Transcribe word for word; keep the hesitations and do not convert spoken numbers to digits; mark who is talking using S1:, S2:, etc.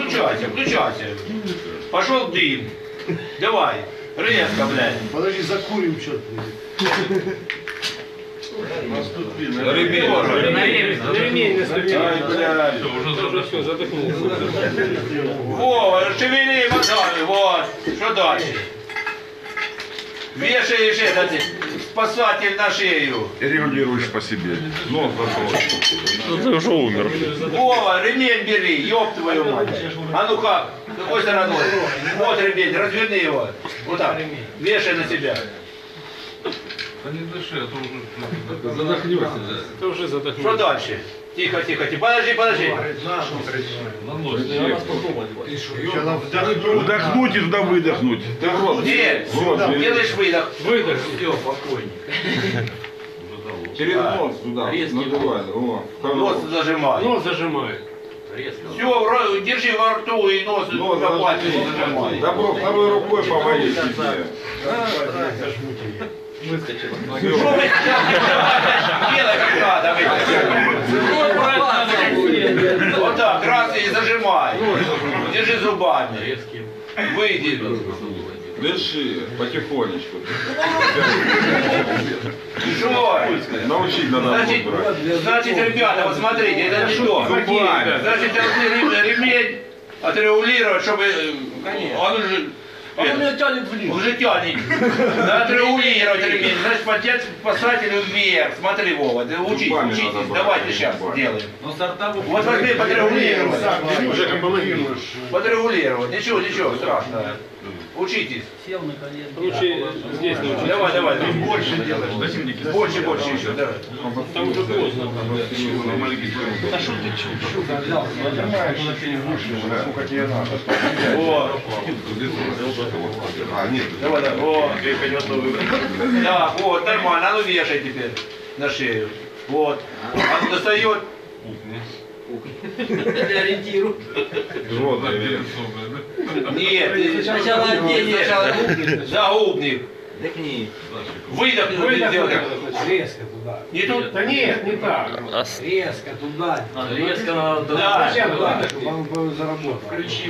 S1: включайся, включайся. Пошел дым. Давай, резко, блядь.
S2: Подожди, закурим что-то.
S1: Ремень, ремень наступил. Ай, блядь.
S3: Уже все, задохнулся.
S1: Вова, шевели мозгами, вот. Что дальше? Вешаешь этот спасатель на шею.
S4: И регулируешь по себе. Нос зашел.
S3: Ну ты уже умер.
S1: Вова, ремень бери, ёб твою мать. А ну как? Какой стороной? Вот ремень, разверни его. Вот так. Вешай на себя.
S5: Да не дыши, а то уже
S3: Задохнешься. Ты уже задохнулся.
S1: Что дальше? Тихо, тихо, тихо. Подожди, подожди.
S5: на нос.
S4: Вдохнуть и туда выдохнуть. Ты в рот.
S1: Нет,
S4: В рот бери.
S1: делаешь выдох.
S3: Выдох.
S1: Все, спокойненько.
S4: Через нос туда. Надувай. О,
S1: Нос зажимай.
S3: Нос зажимает.
S1: Все, держи во рту и нос
S4: Нос
S1: на пальце
S4: зажми.
S1: зажимай.
S4: Добро, второй рукой поводи себе.
S1: Что вы делай как надо, вы. Вот так, раз и зажимай. Держи зубами. Выйди.
S4: Дыши потихонечку.
S1: Что?
S4: Научить надо
S1: Значит,
S4: будет брать.
S1: значит, ребята, вот смотрите, это не то.
S4: Зубами.
S1: Значит, должны ремень отрегулировать, чтобы он уже...
S2: Он меня тянет вниз.
S1: Уже тянет. Надо отрегулировать ремень. Значит, подтянуть спасателю вверх. Смотри, Вова, ты учись,
S4: Зубами
S1: учитесь.
S4: надо брать,
S1: Давайте сейчас
S4: зубами.
S1: сделаем. Вот возьми, подрегулировать.
S2: Жека, помоги.
S1: Подрегулировать. Ничего, ничего страшного. Учитесь.
S3: Лучше здесь научиться.
S1: Давай, давай, ты больше делаешь. Больше, больше еще, давай.
S3: Там уже поздно.
S4: Сколько тебе надо?
S1: О,
S4: А, нет.
S1: давай, давай. О, да, вот, нормально. А ну вешай теперь на шею. Вот. А ну достает.
S6: Для ориентиру.
S4: Животное верит.
S1: Нет, ты
S6: Сначала одень,
S1: сначала загубник.
S6: Дыхни.
S1: Выдох, выдох.
S2: Резко туда.
S1: Не тут?
S2: Да нет, не так. Резко туда.
S6: Резко надо.
S1: Да.
S2: Зачем туда? Чтобы он заработал.